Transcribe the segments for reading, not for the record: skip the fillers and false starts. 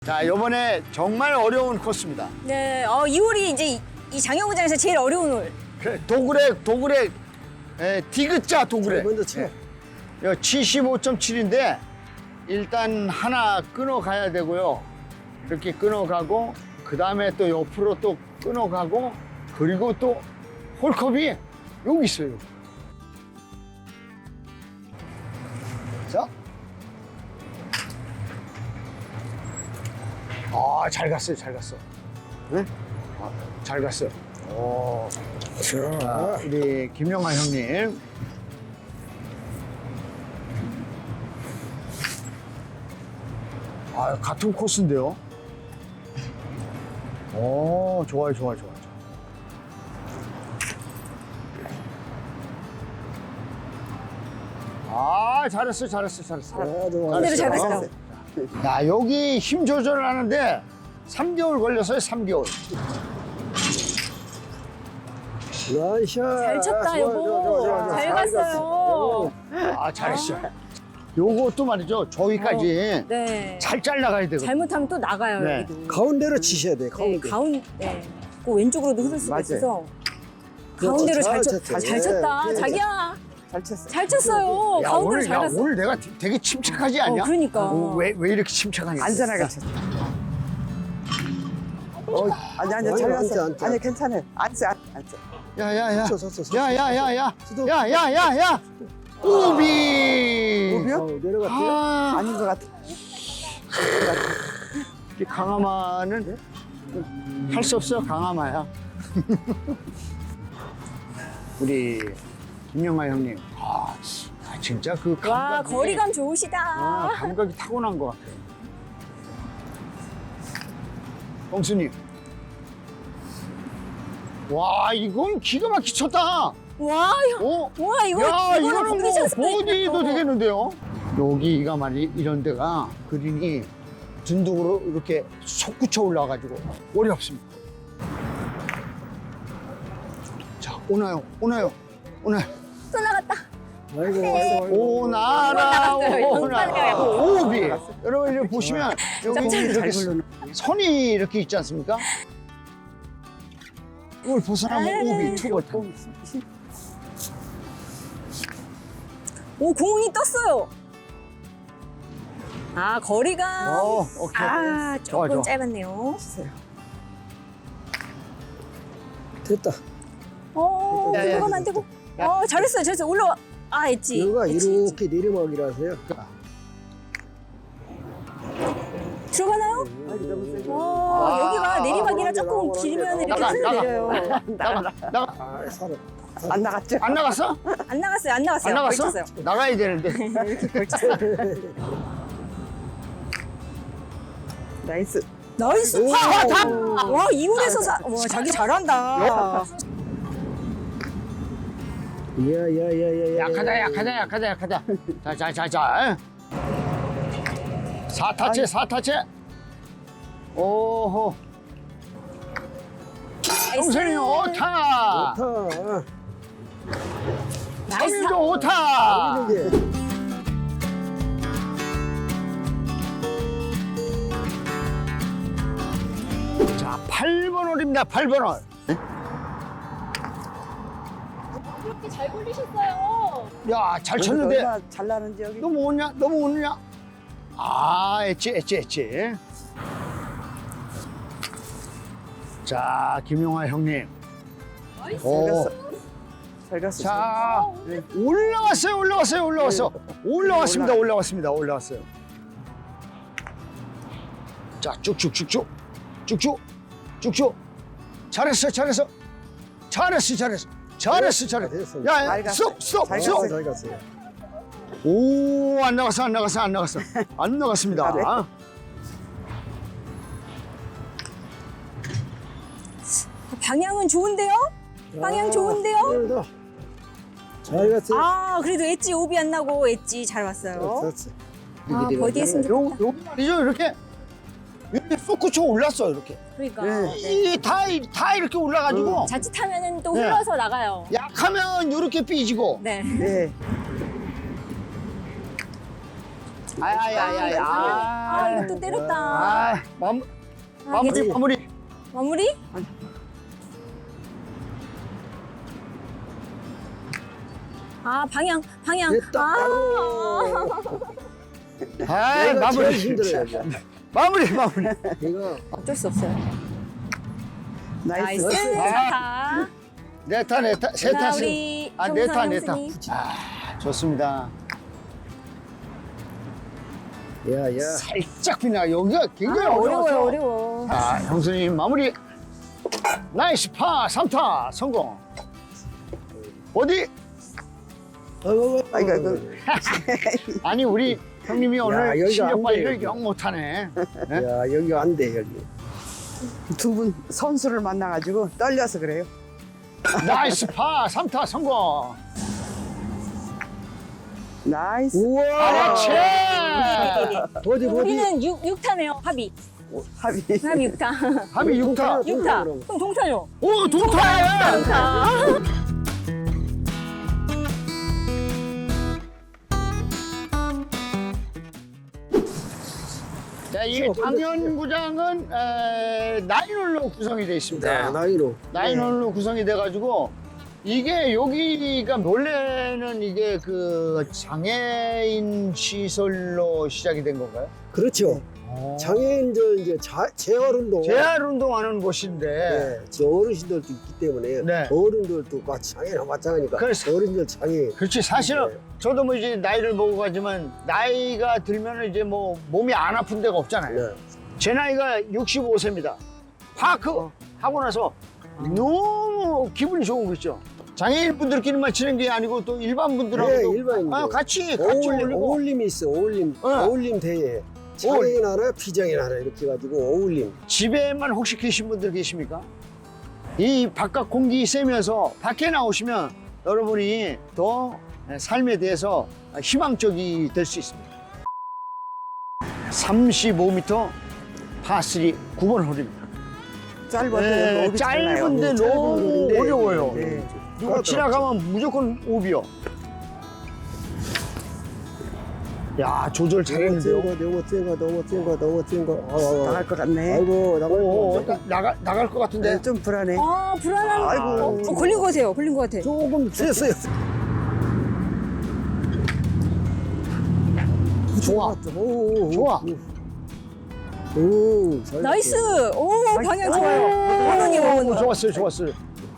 자, 이번에 정말 어려운 코스입니다. 네, 이 홀이 이제 이 장영구장에서 제일 어려운 홀. 도그렉, 디귿자 도그렉. 먼저 쳐. 75.7인데 일단 하나 끊어가야 되고요. 이렇게 끊어가고 그 다음에 또 옆으로 또 끊어가고 그리고 또 홀컵이 여기 있어요. 자. 아, 잘 갔어요, 잘 갔어. 네? 아, 잘 갔어요. 오. 자, 우리 김영하 형님. 아, 같은 코스인데요. 오, 좋아요. 아, 잘했어. 그대로 잘 갔어요. 야, 여기 힘 조절을 하는데 3개월 걸렸어요, 3개월. 나이스. 잘 쳤다, 여보. 잘 갔어요. 아, 잘했어. 요것도 말이죠, 저기까지 네. 잘 잘라가야 되거든요. 잘못하면 또 나가요, 네. 여기도. 가운데로 치셔야 돼. 네, 가운데. 네. 그 왼쪽으로도 흐를 수가 맞아요. 있어서. 그렇죠. 가운데로 잘 잘 쳤죠. 쳤다. 네. 자기야. 잘 쳤어. 잘 쳤어요. 야, 가운데로 잘 갔어. 오늘 내가 되게 침착하지 않냐? 그러니까. 왜 이렇게 침착하냐? 안전하게 쳤어. 아니 아니, 잘 앉아, 갔어. 앉아. 아니 괜찮아. 앉아. 야야야. 섰어. 야야야야. 수도. 야야야야. 우비. 우비요? 내려갔대. 아, 아닌 것 같아. 이 강하마는 할 수 없어, 강하마야. 우리 김영하 형님. 아, 진짜 그 감각이. 와, 거리감 좋으시다. 감각이 타고난 것 같아요. 형수님. 와, 이건 기가 막히게 쳤다. 와, 어? 와, 야, 이거는 보기 뭐 쳤을 때 보디도 있겠다. 되겠는데요? 여기가 말이 이런 데가 그린이 둔둥으로 이렇게 솟구쳐 올라와가지고 어렵습니다. 자, 오나요. 또 나갔다. 아이고. 오나라, 오나라. 오비. 여러분, 이렇게 보시면 여기 짝짝이 이렇게 선이 이렇게 있지 않습니까? 이걸 벗어나면 오비, 투벌. 오, 공이 떴어요. 아, 거리감. 오케이. 아, 좋아, 조금 좋아. 짧았네요. 됐다. 야, 야, 들어가면 안 되고. 잘했어요. 올라와. 아, 엣지. 여기가 엣지. 이렇게 내리막이라서요. 들어가나요? 여기가 내리막이라 조금 길면 이렇게 나가, 흘러 나가. 내려요. 나가. 아, 살아. 안 나갔죠? 안 나갔어? 안 나갔어요. 안 나갔어? 걸쳤어요. 나가야 되는데. 나이스. 나이스 오. 파! 와, 이홀에서 와, 자기 잘한다. 야야야야야. 약하다. 자. 사타체. 오호. 형수님 오타. 좋다. 나이스. 형님도 오타. 이게. 자, 8번 홀입니다. 8번 홀. 이렇게 잘 굴리셨어요. 야, 잘 쳤는데 얼마나 잘 나는지 여기. 너무 오느냐? 아, 엣지. 자, 김용하 형님. 오. 잘 갔어. 자, 올라왔어요. 자, 쭉쭉. 잘했어. 됐어. 야, 잘 갔어. 스톱. 잘 잘 갔어요. 갔어요. 오, 안 나갔어. 안 나갔습니다. 아, 네. 방향은 좋은데요? 방향 좋은데요? 잘 갔어요. 아, 그래도 엣지 오비 안 나고 엣지 잘 왔어요. 됐어. 아, 버디 했으면 좋겠다. 여기 말이죠, 이렇게 쏙구쳐 올랐어, 이렇게. 그러니까. 네. 네. 다 이렇게 올라가지고 자칫하면은 또 네. 흘러서 나가요. 약하면 이렇게 삐지고. 네. 네. 아야야야야. 아, 이거 또 때렸다. 아, 마무리, 괜찮아. 마무리. 마무리? 아, 방향. 됐다. 아, 아, 내가 마무리. 제일 힘들어요. 이제. 마무리. 이거 어쩔 수 없어요. 나이스. 나이스. 아. 좋다. 네 타, 세 자, 타. 우리 아, 정선 네 타. 형수님. 아, 좋습니다. 야야. 살짝 비나 여기가 굉장히 아, 어려워서. 어려워. 자, 형수님 마무리. 나이스 파 3타 성공. 어디? 아이고. 아니 우리 형님이 오늘 여기가 실력 안 발휘를 돼요, 영 못하네. 야 여기 안 돼 여기. 두 분 선수를 만나가지고 떨려서 그래요. 나이스 파 3타 성공. 나이스. 우와. 그렇지. 어디 어디. 우리는 6타네요, 합이. 합의. 합이 6타. 합이 6타. 6타. 그럼. 그럼 동타요. 오, 동타야. 동타. 자, 이 당연구장은 나인홀로 구성이 되어 있습니다. 나이로. 나인홀로 구성이 돼가지고 이게 여기가 원래는 이게 그 장애인 시설로 시작이 된 건가요? 그렇죠. 장애인들 이제 재활 운동. 재활 운동하는 곳인데 네, 저 어르신들도 있기 때문에 네. 어른들도 장애나 마찬가지니까 그래서- 어른들 장애. 그렇지 사실은 네. 저도 뭐 이제 나이를 먹고 가지만 나이가 들면 이제 뭐 몸이 안 아픈 데가 없잖아요. 네. 제 나이가 65세입니다. 파크 하고 나서 너무 기분이 좋은 거 있죠. 장애인 분들끼리만 치는 게 아니고 또 일반 분들하고도 네, 일반인들. 같이 올리고 어울림이 있어. 어울림. 네. 어울림 대회. 장애인 하나, 비장애인 하나 이렇게 해가지고 어울림. 집에만 혹시 계신 분들 계십니까? 이 바깥 공기 쐬면서 밖에 나오시면 여러분이 더 삶에 대해서 희망적이 될 수 있습니다. 35m 파3 9번 홀입니다. 짧은데 짧은데 너무 어려워요. 네. 누가 지나가면 무조건 오비요. 야, 조절 잘했는데요. 너무 센 거. 나갈 것 같네. 아이고 오, 나갈 거. 나갈 것 같은데. 네, 좀 불안해. 아, 불안한. 아이고. 걸린 거 같아요. 걸린 거 같아. 조금 셌어요. 좋아. 오, 좋아. 오, 나이스. 오, 방향 좋아요. 원원이. 좋았어요.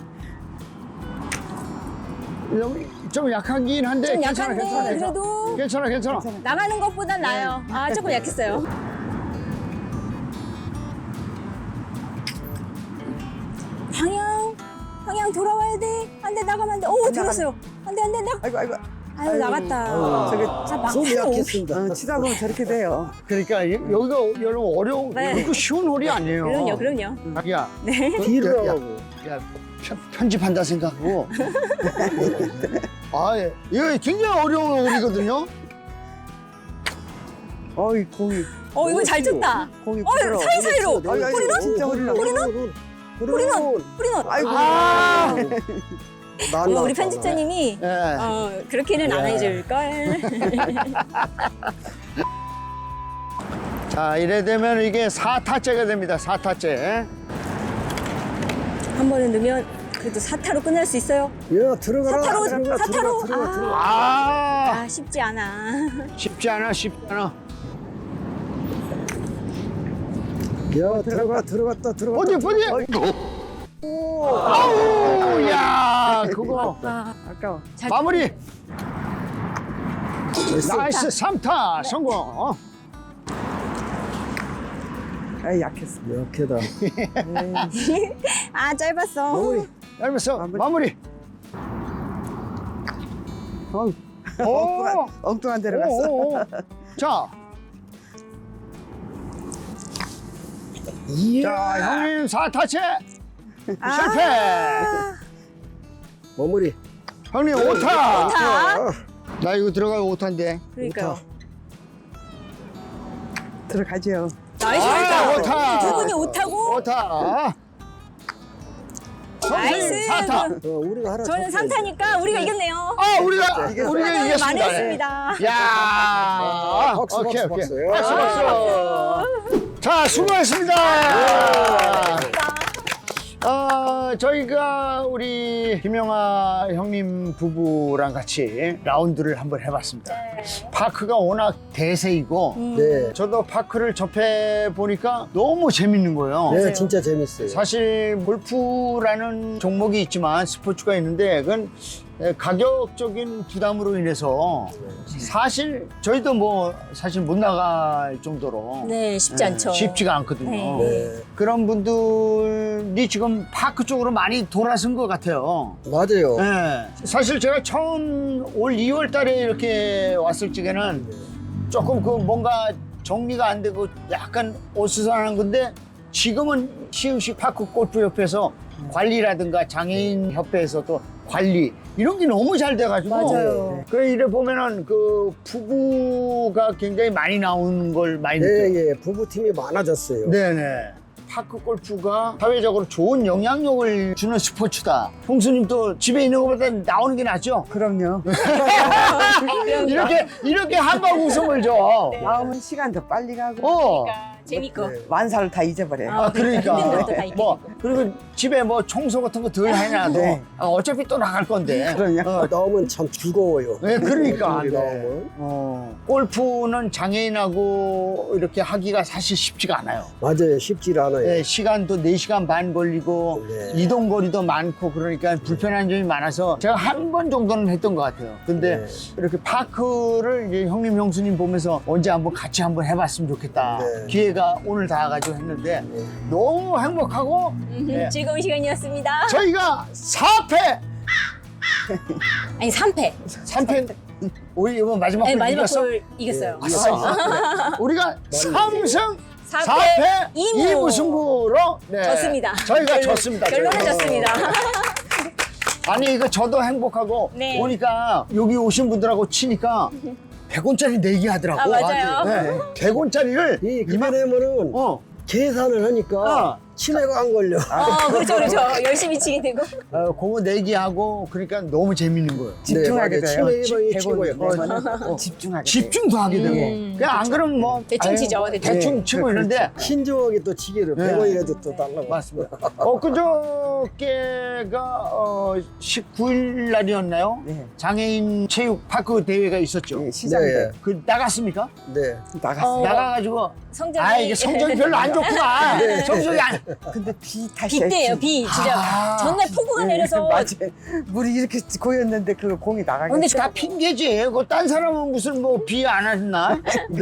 좀 약하긴 한데 좀 괜찮아, 약한데 그래도 괜찮아. 나가는 것보단 나아요. 아, 조금 약했어요. 방향 돌아와야 돼. 안 돼, 나가면 안 돼. 오, 들었어요. 안 돼, 나. 아이고. 아유, 나갔다. 저기 자, 막 손이 하는 약했습니다. 치다 보면 저렇게 돼요. 그러니까 여기가 여러분 어려운 네. 이거 쉬운 홀이 아니에요. 그럼요. 야, 네. 뒤로 야, 가고. 야, 편집한다 생각하고. 아, 예. 이거 굉장히 어려운 홀이거든요. 어이 공이 이거 잘 쳤다. 공이 부드러워. 사이사이로. 뿌리는? 진짜 뿌리는? 뿌리는. 아이고. 아, 우리 편집자님이 예. 그렇게는 안 해줄걸. 자, 이래 되면 이게 4타째가 됩니다. 4타째. 한 번은 넣으면 그래도 4타로 끝날 수 있어요. 야 들어가라. 사타로. 들어가. 아, 쉽지 않아. 쉽지 않아. 야 들어갔다. 어디? 아우, 야, 그거. 아까워. 마무리. 나이스 3타 성공. 아 약했어. 약해다. 아, 짧았어. 마무리. 얇았어. 마무리. 오. 엉뚱한 데로 갔어. 오. 자, 형님 4타째 실패. 마무리. 형님 5타. 아, 나 이거 들어가면 5타인데. 그러니까요. 들어가죠. 나이스. 아, 오타. 두 분이 5타고 5타. 선생님 나이스. 4타. 우리가 하나 저는 졌어요. 3타니까 우리가 이겼네요. 우리가 이겼습니다. 만회했습니다. 야, 박수, 오케이, 박수, 오케이. 박수. 박수. 자, 수고하셨습니다. 저희가 우리 김영아 형님 부부랑 같이 라운드를 한번 해봤습니다. 파크가 워낙 대세이고, 네. 저도 파크를 접해 보니까 너무 재밌는 거예요. 네, 진짜 재밌어요. 사실 골프라는 종목이 있지만 스포츠가 있는데 그건 가격적인 부담으로 인해서 사실 저희도 뭐 사실 못 나갈 정도로 네, 쉽지 않죠. 쉽지가 않거든요. 네. 그런 분들이 지금 파크 쪽으로 많이 돌아선 것 같아요. 맞아요. 네. 사실 제가 처음 올 2월 달에 이렇게 왔을 적에는 조금 그 뭔가 정리가 안 되고 약간 어수선한 건데 지금은 시흥시 파크 골프협회에서 관리라든가 장애인 협회에서 또 관리 이런 게 너무 잘 돼가지고 맞아요. 그래 이래 보면은 그 부부가 굉장히 많이 나오는 걸 많이 느껴요. 네, 예, 부부팀이 많아졌어요. 네네. 파크 골프가 사회적으로 좋은 영향력을 주는 스포츠다. 홍수님도 집에 있는 것보다 나오는 게 낫죠? 그럼요. 이렇게 한방 웃음을 줘. 나오면 시간도 빨리 가고 어. 재밌고. 만사를 다 잊어버려요. 아, 그러니까. 힘든 것도 다 뭐, 그리고 집에 뭐 청소 같은 거 덜 해놔도 네. 어차피 또 나갈 건데. 그럼요. 나오면 참 즐거워요. 네, 그러니까. 우리 네. 나오면. 골프는 장애인하고 이렇게 하기가 사실 쉽지가 않아요. 맞아요. 쉽지 않아요. 네, 시간도 4시간 반 걸리고 네. 이동 거리도 많고 그러니까 불편한 점이 많아서 제가 한 번 정도는 했던 것 같아요. 근데 네. 이렇게 파크를 이제 형님, 형수님 보면서 언제 한번 같이 한번 해봤으면 좋겠다. 네. 기회가 오늘 닿아가지고 했는데 너무 행복하고 네. 즐거운 시간이었습니다. 저희가 4패! 아니, 3패. 3패 우리 이번 마지막 네, 골 마지막 이겼어? 골 이겼어요. 아싸. 그래. 우리가 3승 4패 4패 2무 2무승부로 네. 졌습니다. 저희가 졌습니다. 결론은 저희가. 졌습니다. 아니 이거 저도 행복하고 네. 보니까 여기 오신 분들하고 치니까 100원짜리 내기 하더라고. 아, 맞아요. 네. 100원짜리를 이 그만하면은 계산을 하니까 치매가 안 걸려. 그렇죠, 그렇죠. 열심히 치게 되고. 그거 내기하고 그러니까 너무 재밌는 거예요. 집중하게 네, 돼요. 맞아요. 치매 예방이 100원 최고예요. 내면은 집중하게 돼요. 집중도 하게 되고 그냥 안 그러면 뭐 대충 아유, 치죠, 대충. 대충 치고 있는데 신중하게 또 치기를 네. 100원이라도 또 달라고. 맞습니다. 그저께가 19일 날이었나요? 네. 장애인 체육 파크 대회가 있었죠. 네, 시장대 네. 그 나갔습니까? 네. 나갔어요. 나가가지고 성적이 이게 성적이 별로 안 좋구나. 성적이 안. 근데 비 다시 빗대예요, 비. 진짜. 전날 폭우가 내려서. 맞아요. 물이 이렇게 고였는데 그 공이 나가게. 근데 다 핑계지. 그 딴 사람은 무슨 뭐 비 안 하셨나?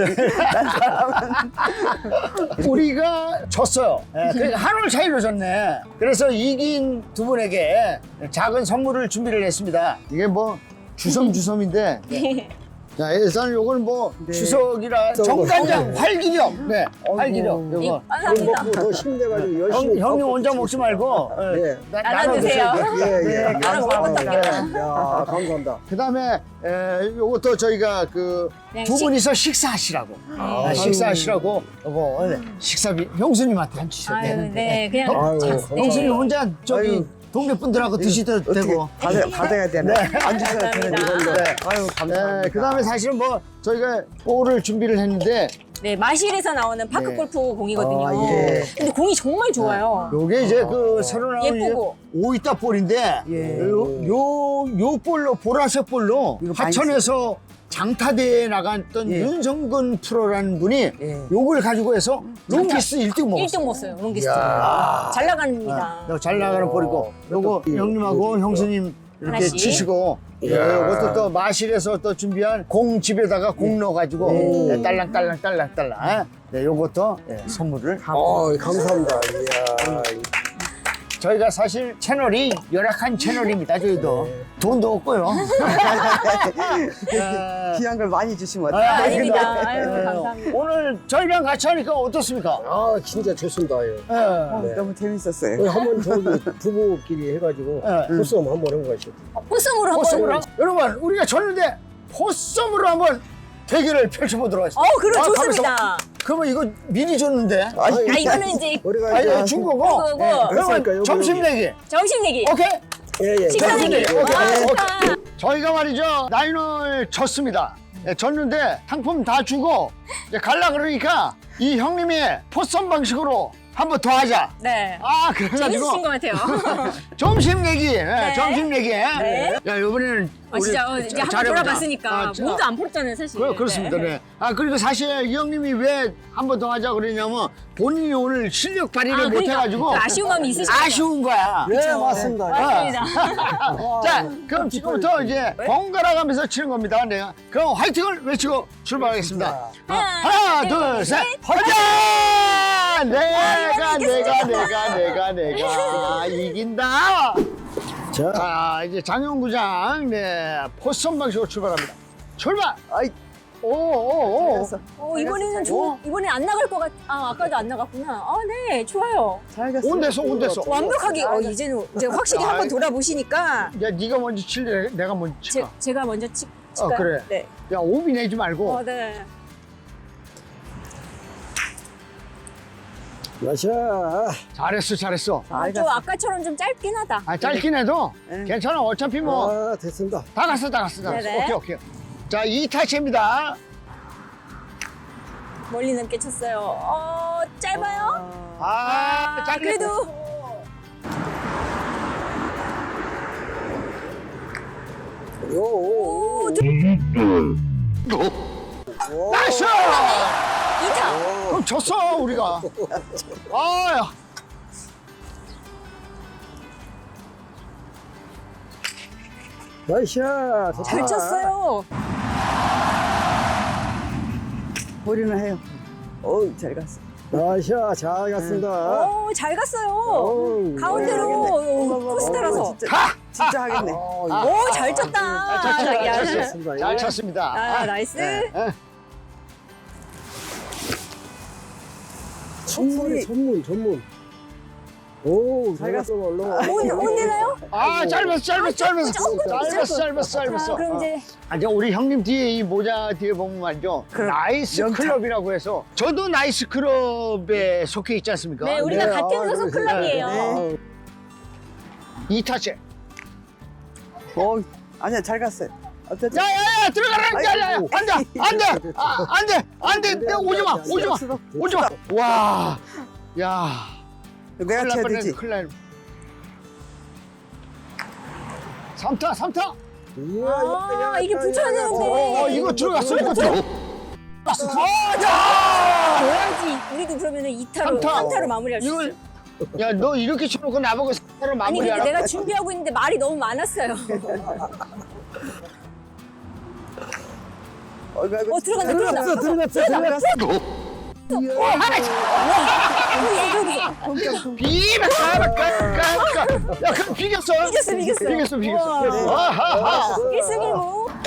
우리가 졌어요. 그러니까 한 올 차이로 졌네. 그래서 이긴 두 분에게 작은 선물을 준비를 했습니다. 이게 뭐 주섬주섬인데. 자, 일단 요건 뭐 네. 추석이라 정간장 활기력. 네, 활기력. 요거. 돈 감사합니다. 먹고 더 힘내가지고 열심히. 형님 혼자 먹지 말고 네. 나눠드세요. 예, 예. 나눠 먹으면 감사합니다. 어떡해요. 야, 감사합니다. 그다음에 요것도 저희가 그 그냥 두 분이서 식사하시라고 식사하시라고 요거 식사비 형수님한테 한 주셔도 아유, 되는데 네, 그냥. 아유, 자, 감사합니다. 형수님 혼자 저기 아유. 동네 분들하고 드시도 어떻게 되고 받아야 되나? 안 주셔도 되는 감사합니다. 이걸로. 아유 감사합니다. 그다음에 사실은 뭐 저희가 볼을 준비를 했는데 네, 마실에서 나오는 파크 네. 골프 공이거든요. 아, 예. 근데 공이 정말 좋아요. 요게 이제 그 새로 나온 예쁘고. 오이따 볼인데 예. 요 볼로 보라색 볼로 이거 많이 하천에서 장타대회에 나갔던 예. 윤성근 프로라는 분이 예. 요걸 가지고 해서 롱기스 1등 먹었어요. 1등 먹었어요, 롱기스트. 이야. 잘 나갑니다. 요거 잘 나가는 볼이고 요거 이- 형님하고 형수님 이렇게 하나씩. 치시고 요것도 또 마실에서 또 준비한 공 집에다가 공 넣어가지고 네, 딸랑딸랑 네, 요것도 선물을 감사합니다. 이야. 저희가 사실 채널이 열악한 채널입니다. 저희도 돈도 없고요. 귀한 걸 많이 주시면 아, 어떡해요? 아닙니다. 아유, 네. 감사합니다. 오늘 저희랑 같이 하니까 어떻습니까? 아, 진짜 좋습니다. 예. 네. 너무 재밌었어요. 한번 저기 부부끼리 해가지고 포스홈 한번 해보시죠. 포섬으로 한번. 포섬으로 여러분 우리가 졌는데 포섬으로 한번 대결을 펼쳐보도록 하겠습니다. 그럼 가면서 좋습니다. 그러면 이거 미리 줬는데. 아, 이거는 이제 우리가 아, 이제 이거 준 거고. 그거고. 예, 그러니까 그러면 요거, 점심 요거. 내기. 점심 내기. 오케이? 예. 식사 점심 내기. 내기. 오케이. 와, 오케이. 좋다. 저희가 말이죠. 라인을 졌습니다. 예, 졌는데 상품 다 주고 이제 갈라 그러니까 이 형님이 포선 방식으로 한 번 더 하자. 네. 아, 재밌으신 그래가지고 것 같아요. 점심 내기. 예, 네. 점심 내기. 네. 야, 이번에는 아, 진짜 이제 한번 잘해보자. 돌아봤으니까 아, 자, 몸도 안 풀었잖아요, 사실. 그렇습니다. 네. 아, 그리고 사실 이 형님이 왜 한 번 더 하자 그러냐면 본인이 오늘 실력 발휘를 아, 못 그러니까 해가지고 그 아쉬운 마음이 있으시죠? 아쉬운 거야. 네, 맞습니다. 맞습니다. 자, 그럼 지금부터 이제 번갈아 가면서 치는 겁니다. 내가 그럼 화이팅을 외치고 출발하겠습니다. 하나, 둘, 셋, 화이팅! 내가 이긴다. 자, 자, 이제 장영구장 포선 방식으로 출발합니다. 출발! 아이, 오. 이번에는 이번에 안 나갈 것 같. 아, 아까도 안 나갔구나. 아, 네, 좋아요. 잘 갔어. 온댔어. 완벽하게. 이제는 이제 확실히 한번 돌아보시니까 야, 네가 먼저 칠래? 내가 먼저 칠까? 제가 먼저 칠까요? 그래. 네. 야, 오비 내지 말고. 네. 마셔. 잘했어. 좀 아까처럼 좀 짧긴 하다. 아, 짧긴 해도 네. 괜찮아. 어차피 뭐 아, 됐습니다. 다 갔어. 네네. 오케이. 자, 2타치입니다. 멀리 넘게 쳤어요. 짧아요? 짧게. 그래도 오. 나이스! 2타. 그럼 졌어, 우리가. 야. 마셔. 잘 쳤어요. 보리는 해요. 어우, 잘 갔어. 마셔. 잘 갔습니다. 잘 갔어요. 어우, 가운데로 포스트라서. 진짜 하겠네. 잘 쳤다. 잘 야, 쳤습니다. 잘 쳤습니다. 나이스. 전문. 오, 잘 갔어, 얼른. 온 되나요? 짧았어. 자, 그럼 이제 이제 우리 형님 뒤에 이 모자 뒤에 보면 말이죠. 나이스 명찰. 클럽이라고 해서 저도 나이스 클럽에 속해 있지 않습니까? 네, 우리가 네, 같은 소속 그러세요. 클럽이에요. 네. 2타치. 아니야, 잘 갔어요. 어쨌든. 야야야 들어가라. 야야야 아이고. 안돼. 내가 오지 마. 와. 야. 내가 쳐야 되지. 큰일 날. 3타. 이게 붙여야 되는데. 이거 들어갔어. 넣어야지. 우리도 그러면은 2타로, 3타로 마무리할 수 있어. 이걸 야, 너 이렇게 쳐놓고 나보고 3타로 아니, 근데 마무리하라. 내가 준비하고 있는데 말이 너무 많았어요. 들어갔어. 야, 그럼 비겼어. 비겼어. 아하하. 1승 1무.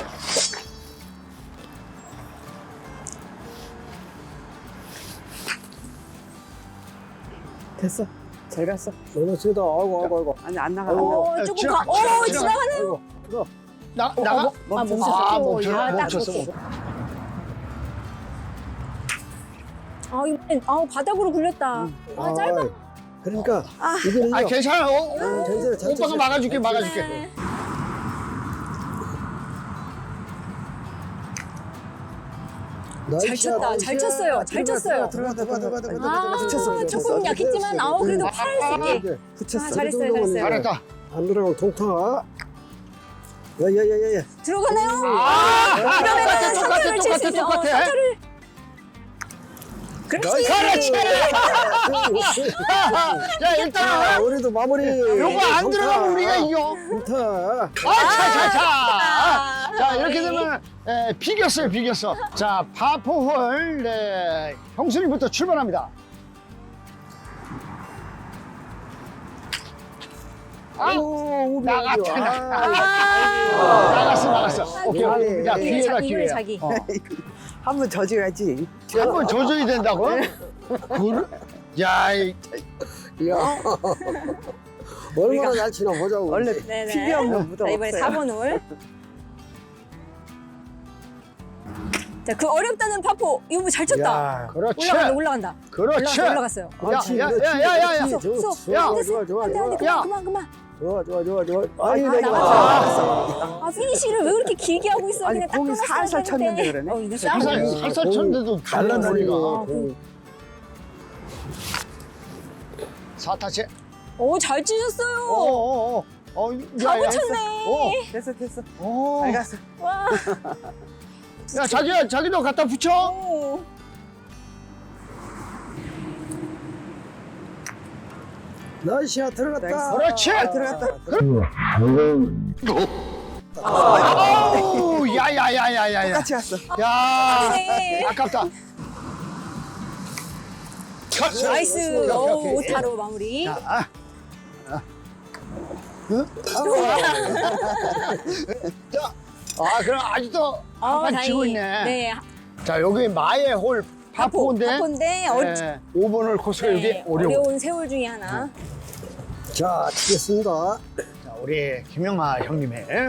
됐어. 잘 갔어. 너무 세다. 아이고. 아니, 안 나가. 조금 지나가네요. 나가? 멈췄어. 이번엔 바닥으로 굴렸다. 짧아. 그러니까 이거는요. 괜찮아. 괜찮아요. 잘 오빠가 막아줄게. 네. 잘 쳤어요. 붙였어. 조금 약했지만 그래도 팔 수 있게. 붙였어. 잘했어요. 잘했다. 안 들어가면 통타. 야야야야. 들어가나요? 똑같아. 사타를 칠 수 있어요. 사타를. 그렇지. 자, 일단 우리도 마무리. 요거 안 들어가면 우리가 이겨. 통타. 자, 이렇게 되면 비겼어. 자, 파포홀 형수님부터 출발합니다. 나갔어. 오케이. 야, 기회다. 이거는 자기. 한번 져줘야지. 한번 져줘야 된다고? 야, 야. 얼마나 잘 치나 보자고. 원래 네네. 피기 없는 무덤 자, 이번에 없어요. 4번 홀. 자, 그 어렵다는 파포. 이거 뭐 잘 쳤다. 야, 그렇지. 올라간다. 그렇지. 올라갔어요. 그렇지, 야, 그렇지, 야, 야, 야, 야. 그렇지. 쏙. 야. 좋아. 안돼, 야. 그만. 좋아. 아니, 아, 내가. 나갔어. 아, 피니쉬를 왜 그렇게 길게 하고 있어? 아니, 그냥 딱 공이 끊었어야 살살 되는데. 쳤는데 그러네. 이거 싸움. 살살 쳤는데도 갈라다니가. 갈라다니가. 사타치. 오, 잘 치셨어요. 야, 다 야. 붙였네. 됐어. 어. 잘 갔어. 와. 야, 자기도 갖다 붙여. 오. 나이스야, 들어갔다. 그렇지. 들어갔다. 아우, 야. 같이 갔어. 야, 네. 아깝다. 나이스. 오, 오케이. 5타로 마무리. 자, 그럼 아직도 한판 치고 있네. 네. 자, 여기 마의 홀 파포인데. 파포인데 네, 5번 홀 코스가 여기 어려워. 어려운 세월 중에 하나. 자, 치겠습니다. 자, 우리 김영하 형님의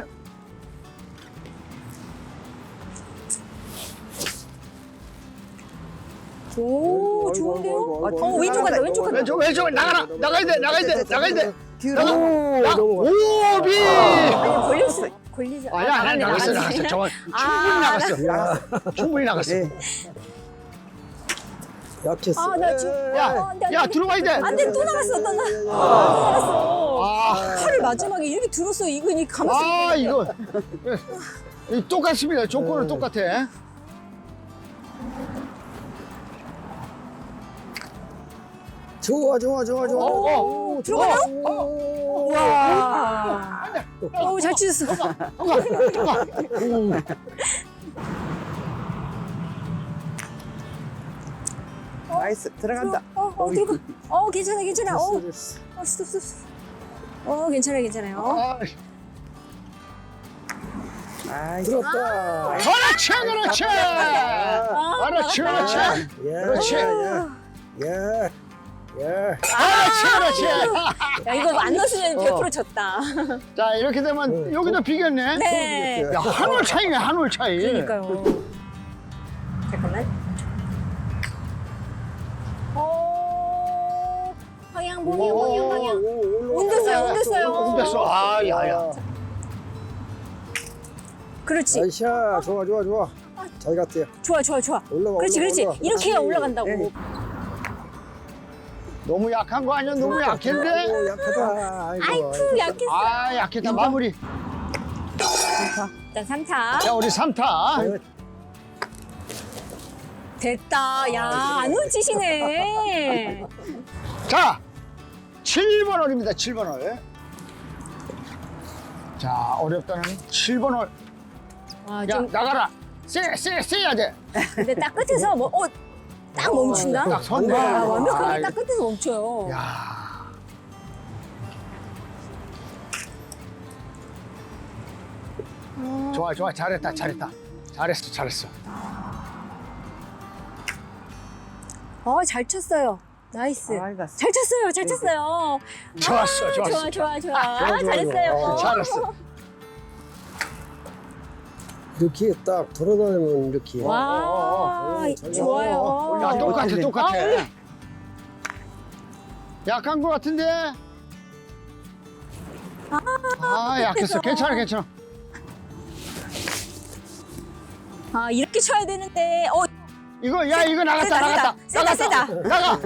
오, 좋은데요? 왼쪽 간다, 왼쪽 간다. 왼쪽 나가야 돼. 뒤로. 오비. 아니, 걸리지. 아니야, 나갔어. 저건 충분히 나갔어. 네. 약했어. 아, 나 지금. 야, 들어가야 돼. 안 돼, 또 나갔어. 또 나갔어. 아, 팔을 마지막에 이렇게 들었어. 이거 감았어. 이거 똑같습니다. 조건은 똑같아. 좋아. 들어가요? 와. 오, 잘 치셨어. 나이스. 들어간다. 들어가. 괜찮아. 스톱. 괜찮아요. 아이고. 들었다. 그렇지. 그렇지. 야, 이거 안 넣었으면 100% 졌다. 자, 이렇게 되면 여기도 비겼네. 네. 야, 한 홀 차이네, 한 홀 차이. 그러니까요. 잠깐만. 방향. 온댔어요. 온댔어. 야. 그렇지. 나이스야. 좋아. 잘 갔대요. 좋아. 올라가. 그렇지. 올라가. 이렇게 해야 올라간다고. 네. 너무 약한 거 아니야? 너무 약했는데? 아이고, 약하다. 아이쿠, 약했어. 약했다. 마무리. 일단 3타. 자, 우리 3타. 됐다. 야, 안 놓치시네. 자, 7번 홀입니다. 7번 홀. 자, 어렵다는 7번 홀. 와, 야, 좀, 나가라. 세야 돼. 근데 딱 끝에서 딱 멈춘다? 딱 섰네. 와, 완벽하게 아, 딱 끝에서 멈춰요. 야. 좋아. 잘했다. 잘했어. 잘 쳤어요. 나이스. 아이, 갔어. 잘 쳤어요. 좋았어. 좋아. 잘했어요. 잘했어. 이렇게 딱 돌아다니면 이렇게. 와, 좋아요. 야, 똑같아. 아, 약한 거 같은데? 약했어. 괜찮아. 이렇게 쳐야 되는데. 이거 나갔다. 세다. 나가.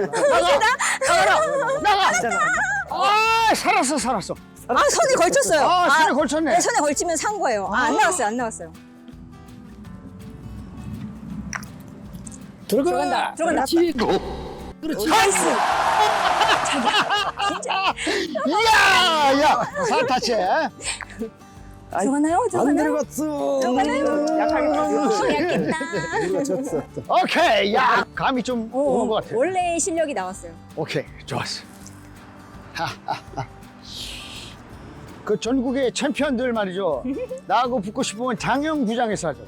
살았어. 선에 걸쳤어요. 손에 걸쳤네. 네, 선에 걸치면 산 거예요. 안 나왔어요. 들어간다. 그렇지. 나이스. 야, 사타치. 들어가나요? 안 들어갔어. 약했다. 우리가 졌어. 오케이. 야, 감이 좀 오는 것 같아. 원래 실력이 나왔어요. 오케이, 좋았어. 그 전국의 챔피언들 말이죠. 나하고 붙고 싶으면 장영구장에서 하죠.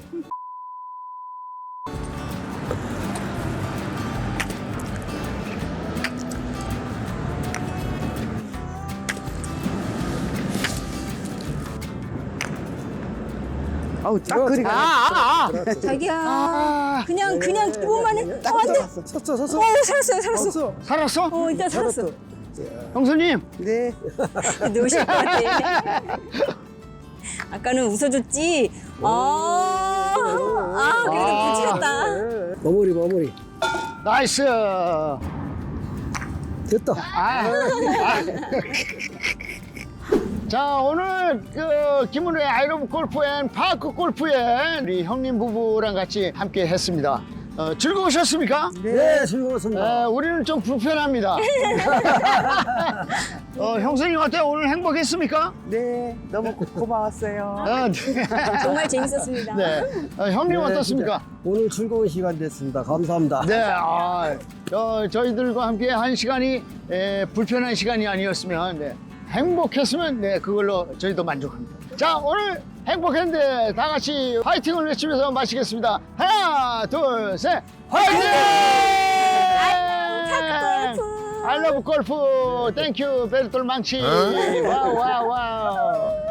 아우 딱 그리 가. 자기야. 그냥 이것만 해. 딱 안 돼. 들어갔어. 섰어. 살았어요. 살았어? 일단 살았어. 형수님. 네. 누우실 것 같아. 아까는 웃어줬지. 그래도 부지렸다. 마무리. 나이스. 됐다. 자, 오늘 그 김은우의 아이러브 골프 앤 파크 골프에 우리 형님 부부랑 같이 함께 했습니다. 즐거우셨습니까? 네, 즐거웠습니다. 우리는 좀 불편합니다. 형수님 어때요? 오늘 행복했습니까? 네. 너무 고마웠어요. 네. 정말 재밌었습니다. 네. 형님 네, 어떻습니까? 진짜 오늘 즐거운 시간 됐습니다. 감사합니다. 네, 저희들과 함께 한 시간이 불편한 시간이 아니었으면, 네, 행복했으면, 네, 그걸로 저희도 만족합니다. 자, 오늘 행복했는데 다 같이 파이팅을 외치면서 마치겠습니다. 하나, 둘, 셋, 파이팅! 골프. I love 골프. 땡큐, 베르톨 망치. 와우.